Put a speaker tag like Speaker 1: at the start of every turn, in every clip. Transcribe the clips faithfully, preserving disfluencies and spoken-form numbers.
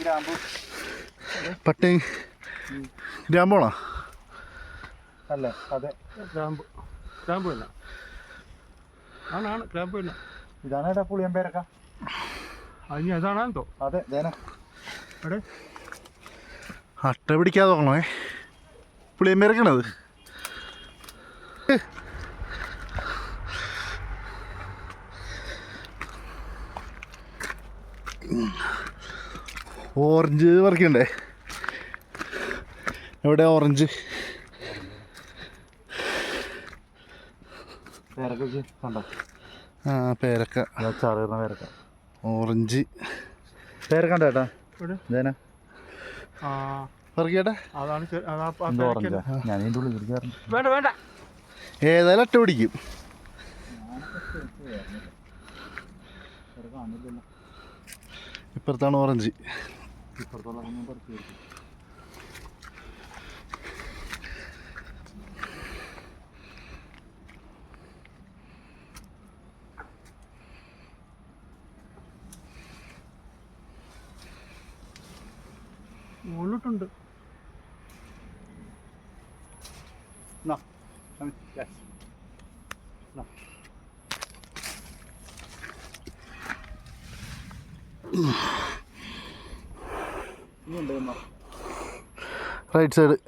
Speaker 1: പട്ടി ഗ്രാമ്പുവാണോ?
Speaker 2: അല്ല അതെ ഗ്രാമ്പു ഗ്രാമ്പു ഇല്ല ആണാണ് ഗ്രാമ്പു ഇല്ല. ഇതാണ് പുളിയം പേരക്ക. അതിന് അതാണെന്തോ. അതെ ദേന എടേ
Speaker 1: അട്ട പിടിക്കാതെ നോക്കണേ. പുളിയം പേരക്കണത്. ഓറഞ്ച് പറിക്കണ്ടേ? എവിടെ ഓറഞ്ച്?
Speaker 2: പേരക്ക കണ്ടോ?
Speaker 1: ആ പേരക്ക
Speaker 2: ചാറുന്ന പേരക്ക.
Speaker 1: ഓറഞ്ച്
Speaker 2: പേരക്ക കണ്ടോ ചേട്ടാ? ദേന
Speaker 1: പറിക്കട്ടെ.
Speaker 2: ഞാൻ ഇതിൻ്റെ ഉള്ളിൽ
Speaker 3: വേണ്ട വേണ്ട
Speaker 1: ഏതായാലും അട്ട പിടിക്കും. ഇപ്പുറത്താണ് ഓറഞ്ച്.
Speaker 3: മുകളിലോട്ടുണ്ട്.
Speaker 1: Right side.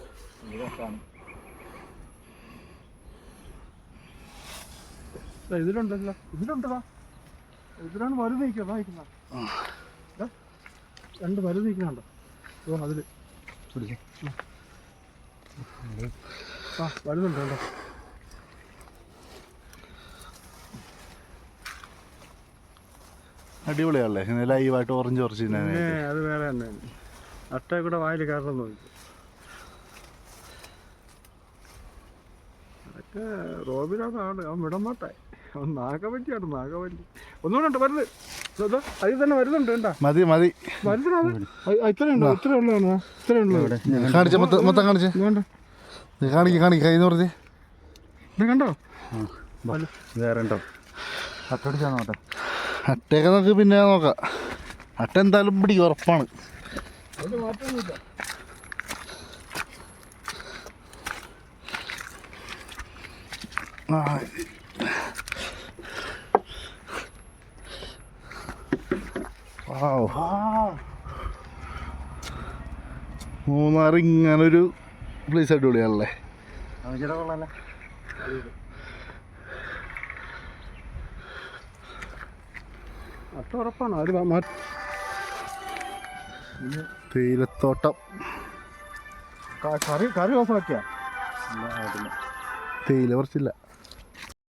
Speaker 3: ഇതിലുണ്ടല്ലോ ഇതിലുണ്ടതാ. ഇതിലാണ് വലുത് നിൽക്കുക വായിക്കുന്ന രണ്ട് വലുത് നിൽക്കുന്നുണ്ടോ? അതില് ആ വലുതുണ്ട് കേട്ടോ.
Speaker 1: അടിപൊളിയാണല്ലേ ഇങ്ങനെ ലൈവായിട്ട് ഓറഞ്ച് കുറച്ച്
Speaker 3: അത് വേറെ തന്നെ. അട്ട കൂടെ വായിൽ കയറണം നോക്കി. അതൊക്കെ റോബിനാണ് ആണ് അവൻ വിടമാട്ടെ. അവൻ നാഗവല്ലിയാണ് നാഗവല്ലി. ഒന്നുകൂടെ ഉണ്ട് വരുന്നത്. അതിൽ തന്നെ വരുന്നുണ്ട് കേട്ടാ.
Speaker 1: മതി മതി
Speaker 3: വരുന്നത് ഇത്രയുണ്ടോ? ഇത്ര ഉള്ളതാണ്. ഇത്ര ഉള്ളൂ.
Speaker 1: കാണിച്ച മൊത്തം കാണിച്ച്
Speaker 3: വേണ്ട
Speaker 1: കാണിക്ക കാണിക്ക കൈന്ന് പറഞ്ഞ്
Speaker 3: ഇത് കണ്ടോ?
Speaker 2: വേറെ ഉണ്ടോ? അട്ടടിച്ചാ നോട്ടെ.
Speaker 1: അട്ടയൊക്കെ നമുക്ക് പിന്നെ നോക്കാം. അട്ട എന്തായാലും പിടിക്കും ഉറപ്പാണ്.
Speaker 3: മാറ്റമൊന്നുമില്ല.
Speaker 1: ആ മൂന്നാർ ഇങ്ങനൊരു പ്ലേസ് അടിപൊളിയാണല്ലേ.
Speaker 3: അട്ട ഉറപ്പാണ്. അത്
Speaker 1: തേയിലത്തോട്ടം.
Speaker 3: കറി കറി ഓഫാക്കിയാ
Speaker 1: തേയില കുറച്ചില്ല.